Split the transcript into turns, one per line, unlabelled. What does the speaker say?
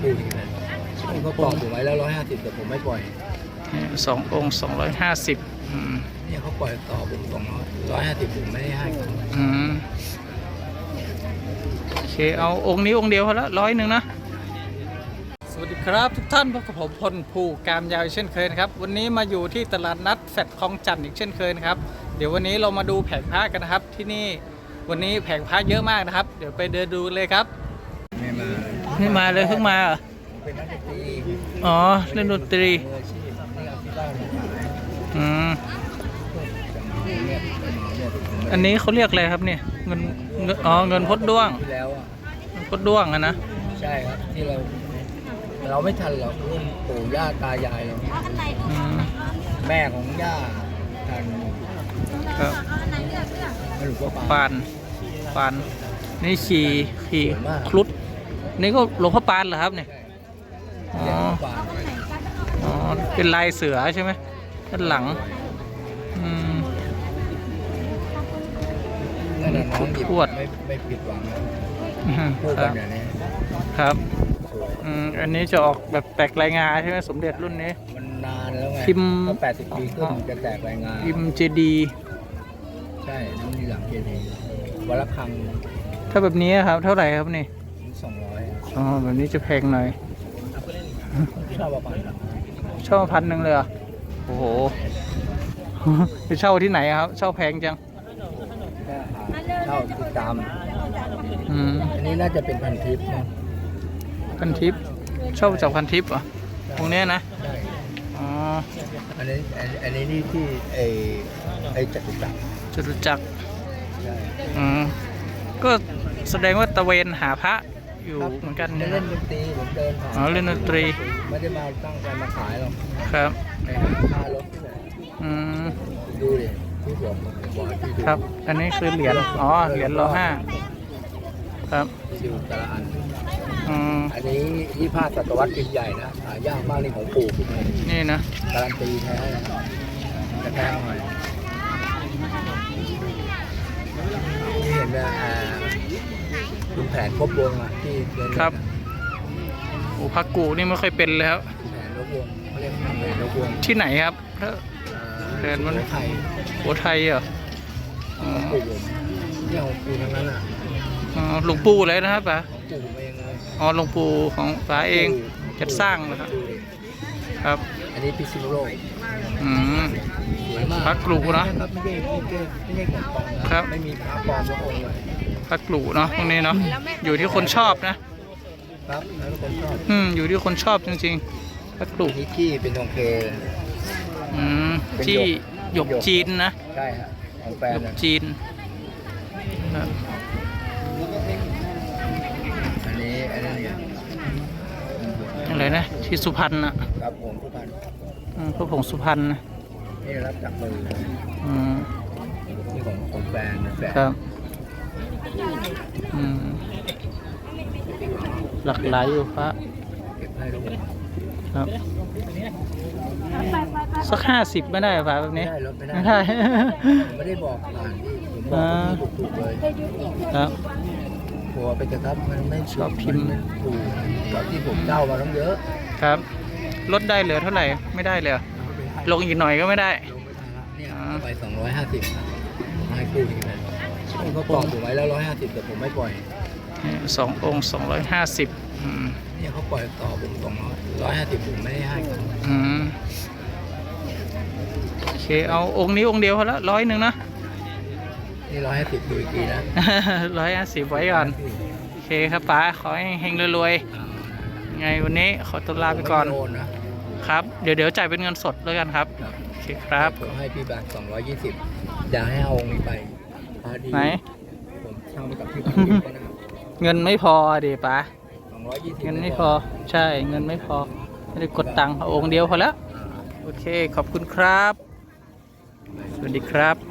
คู่นี้นะเขาปล่อยผมไว้แล้ว150แต่ผมไม่ปล่อย
2 องค์ 250
เนี่ยเขาปล่อยต่อผม150ผมไม่ได้ให้เขา
โอเคเอาองค์นี้องค์เดียวพอละ100นะสวัสดีครับทุกท่านพบกับผมพลภูกามยาวเช่นเคยนะครับวันนี้มาอยู่ที่ตลาดนัดแฟดคลองจันทร์อีกเช่นเคยนะครับเดี๋ยววันนี้เรามาดูแผงพระกันนะครับที่นี่วันนี้แผงพระเยอะมากนะครับเดี๋ยวไปเดินดูเลยครับไม่มาเลยเพิ่งมาเหรอ
เป็นนักดนตรี
อ๋อเล่นดนตรีอันนี้เขาเรียกอะไรครับเนี่ยเงินเงินพดด้วง
แล้ว
พดด้วงนะ
ใช่ครับที่เราไม่ทันหรอกรุ่นปู่ย่าตายายเราแม่ของย่าทัน
ครับ
หลวงพ่อ
ปานนี่ขี่ครุฑนี่ก็หลวงพ่อปานเหรอครับเนี่ยอ๋อเป็นลายเสือใช่ไหมด้านหลัง
ทวดไม่ผิดหวังพูดกันอย่างนี้
ครับอันนี้จะออกแบบแตกลายงาใช่ไหมสมเด็จรุ่นนี้
มันนานแล้วไง
พิมพ์
80 ปีขึ้นจะแตกลายงา
พิมพ์เจดี
ใช่น้ำมีหลังเจดีวัลคัง
ถ้าแบบนี้ครับเท่าไหร่ครับนี่
200
อ๋อแบบนี้จะแพงหน่อย
ชอบ
1,000เลยเหรอโอ้โหไปเช่าที่ไหนครับเช่าแพงจัง
เช่าติดตามอันนี้น่าจะเป็นพันทิพย์นะ
พันทิพย์เช่าจากพันทิพย์เหรอตรงนี้นะอ๋อ
อันนี้นี่ที่ไอ้จตุจักร
ก็แสดงว่าตะเวนหาพระอยู่เหมือนกัน
เล่นดนตรีผมเดินผ่าน
เล่นดนตรี
ไม่ได้มาตั้งใจมาขายหรอก
ครับ
ค่ารถที่ไหนดูดิที่ผมบอกที่
ครับอันนี้คือเหรียญเหรียญร.5ครับ
ซิวตะละอันนี้25 ศตวรรษปีใหญ่นะหายากมากนี่ของปู่
นี่นะ
การันตีแท้จะแพงหน่อยนี่เห็นไหมคุณแผนครบวงที่
ครับโอ้พักกูนี่ไม่ค่อยเป็นแล้ว
แผนครบวงเขาเรียกแผนครบวง
ที่ไหนครับเดินมัน
ไทย
โอ้ไทยเหรอ
ปู่เนี่ยของปู่ทั้งนั้น
หลวงปู่เลยนะครับป๋า
ปู่เองเลย
หลวงปู่ของป๋าเองจัดสร้างนะครับครับ
อันนี้พิษณุโลก
พักกลูนะ
ไม่ใช่ของปลอมนะครับไม่มีพระปลอมสักองค์เลย
พักกลูเนาะตรงนี้เนาะอยู่ที่คนชอบนะครับ
แล้วคนชอบ
อยู่ที่คนชอบจริงๆพักกลู
นี่จี้เป็นทองเค
จี้หยกจีนนะ
ใช่ฮะของแฟน
หยกจีน
อันนี้เนี่ย
อะไรนะที่สุพรรณนะครับ
ผมสุพรรณ
พระผงสุพรรณนะ
นี่รับจากมือนี่ของแฟน
ครับหลากหลายอยู่พระครับสัก50ไม่ได้ป่ะแบบนี้
ไม่ได้ไม่ได้บอกผ่านผมบอกถูกเลย
ครับ
หัวไปเถอะครับมันไม่ชอบพิมพ์ถูกตอนที่ผมเจ้ามาต้องเยอะ
ครับลดได้เหลือเท่าไหร่ไม่ได้เลยลงอีกหน่อยก็ไม่ได้
เนี่ยไป250ให้คู่นี้เลยเขาปล่อยผมไว้แล้ว150แต่ผมไม่ปล่อย
2 องค์ 250
เนี่ยเขาปล่อยต่อผม150ผมไม่ได้ให้เขา
โอเคเอาองค์นี้องค์เดียวพอละ100นะ
นี่150ดูอีกทีนะ
150ไว้ก่อนโอเคครับป๋าขอให้เฮงรวยๆไงวันนี้ขอตัวลาไปก่อนครับเดี๋ยวจ่ายเป็นเงินสดแล้วกันครับโอเคครับ
ผมให้พี่บาท220อยากให้เอาองค์นี้ไป
ไหน
ผมเช่าไปกับพี่
เงินไม่พอดิป๋า
220
เงินไม่พอใช่เงินไม่พอไม่ได้กดตังค์เอาองค์เดียวพอแล้วโอเคขอบคุณครับสวัสดีครับ